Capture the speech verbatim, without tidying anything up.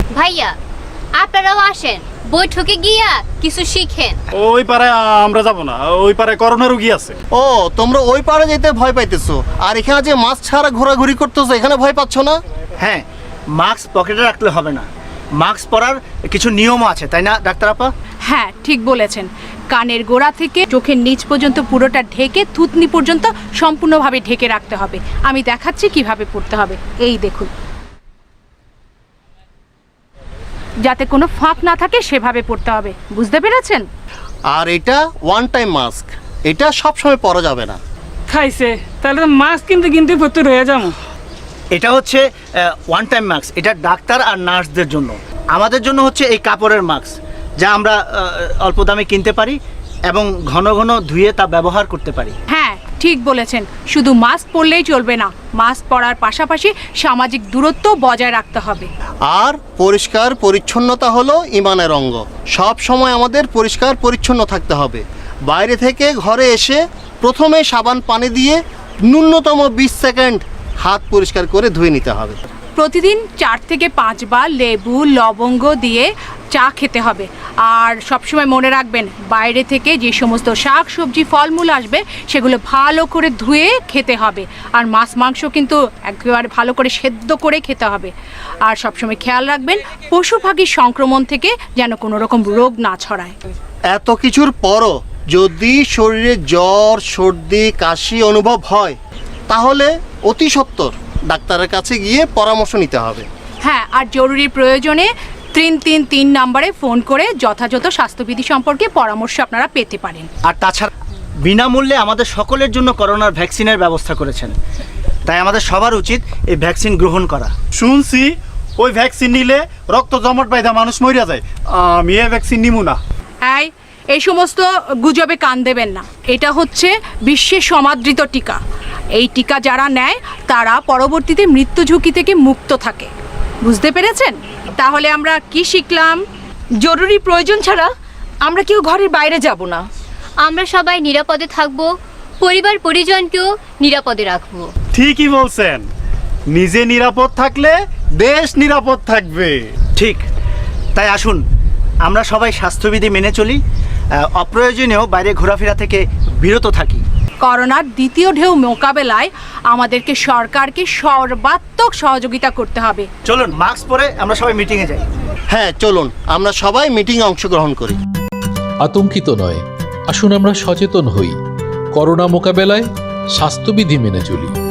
ভাইয়া আপনারাও আসেন, বৈঠকে গিয়া কিছু শিখেন। ওই পারে আমরা যাব না, ওই পারে করোনা রোগী আছে। ও তোমরা ওই পারে যেতে ভয় পাইতেছো, আর এখানে যে মাস্ক ছাড়া ঘোরাঘুরি করতেছো এখানে ভয় পাচ্ছ না? হ্যাঁ, মাস্ক পকেটে রাখলে হবে না, মাস্ক পরার কিছু নিয়মও আছে, তাই না ডাক্তার আপা? হ্যাঁ ঠিক বলেছেন, কানের গোড়া থেকে চোখের নিচ পর্যন্ত পুরোটা ঢেকে থুতনি পর্যন্ত সম্পূর্ণভাবে ঢেকে রাখতে হবে। আমি দেখাচ্ছি কিভাবে পড়তে হবে, এই দেখুন, যাতে কোনো ফাঁক না থাকে সেভাবে পড়তে হবে, বুঝতে পেরেছেন? আর এটা ওয়ান টাইম মাস্ক, এটা সব সময় পরা যাবে না। খাইছে তাহলে তো মাস্ক কিনতে কিনতে ভর্তি হয়ে যাবো। এটা হচ্ছে ওয়ান টাইম মাস্ক, এটা ডাক্তার আর নার্সদের জন্য। আমাদের জন্য হচ্ছে এই কাপড়ের মাস্ক, যা আমরা আহ, অল্প দামে কিনতে পারি এবং ঘন ঘন ধুয়ে তা ব্যবহার করতে পারি। হ্যাঁ ঠিক বলেছেন, শুধু মাস্ক পরলেই চলবে না, মাস্ক পরার পাশাপাশি সামাজিক দূরত্ব বজায় রাখতে হবে। আর পরিষ্কার পরিচ্ছন্নতা হলো ইমানের অঙ্গ, সব সময় আমাদের পরিষ্কার পরিচ্ছন্ন থাকতে হবে। বাইরে থেকে ঘরে এসে প্রথমে সাবান পানি দিয়ে ন্যূনতম বিশ সেকেন্ড হাত পরিষ্কার করে ধুয়ে নিতে হবে। প্রতিদিন চার থেকে পাঁচবার লেবু লবঙ্গ দিয়ে চা খেতে হবে। আর সবসময় মনে রাখবেন, বাইরে থেকে যে সমস্ত শাক সবজি ফলমূল আসবে সেগুলো ভালো করে ধুয়ে খেতে হবে। আর মাছ মাংস কিন্তু একেবারে ভালো করে সেদ্ধ করে খেতে হবে। আর সবসময় খেয়াল রাখবেন পশু পাখির সংক্রমণ থেকে যেন কোনো রকম রোগ না ছড়ায়। এত কিছুর পরও যদি শরীরে জ্বর সর্দি কাশি অনুভব হয় তাহলে অতি সত্বর ডাক্তারের কাছে গিয়ে পরামর্শ নিতে হবে। হ্যাঁ, আর জরুরি প্রয়োজনে তিন তিন তিন নম্বরে ফোন করে যথাযথ স্বাস্থ্যবিধি সম্পর্কে পরামর্শ আপনারা পেতে পারেন। আর তাছাড়া বিনামূল্যে আমাদের সকলের জন্য করোনার ভ্যাকসিনের ব্যবস্থা করেছেন, তাই আমাদের সবার উচিত এই ভ্যাকসিন গ্রহণ করা। শুনছি ওই ভ্যাকসিন নিলে রক্ত জমাট বাইদা মানুষ মরিয়া যায়, আমি এই ভ্যাকসিন নিমু না। এই এই সমস্ত গুজবে কান দেবেন না, এটা হচ্ছে বিশ্বের সমাদৃত টিকা। এই টিকা যারা নেয় তারা পরবর্তীতে মৃত্যু ঝুঁকি থেকে মুক্ত থাকে, বুঝতে পেরেছেন? তাহলে আমরা কি শিখলাম? জরুরি প্রয়োজন ছাড়া আমরা কেউ ঘরের বাইরে যাব না। আমরা সবাই নিরাপদে থাকবো, পরিবার পরিজনকেও নিরাপদে রাখবো। ঠিকই বলছেন, নিজে নিরাপদ থাকলে দেশ নিরাপদ থাকবে। ঠিক, তাই আসুন আমরা সবাই স্বাস্থ্যবিধি মেনে চলি, আহ, অপ্রয়োজনীয় বাইরে ঘোরাফেরা থেকে বিরত থাকি। করোনার দ্বিতীয় ঢেউ মোকাবেলায় আমাদেরকে সরকারকে সর্বাত্মক সহযোগিতা করতে হবে। চলুন মাস্ক পরে আমরা সবাই মিটিংয়ে যাই। হ্যাঁ চলুন আমরা সবাই মিটিংয়ে অংশগ্রহণ করি। আতঙ্কিত নয়, আসুন আমরা সচেতন হই, করোনা মোকাবেলায় স্বাস্থ্যবিধি মেনে চলি।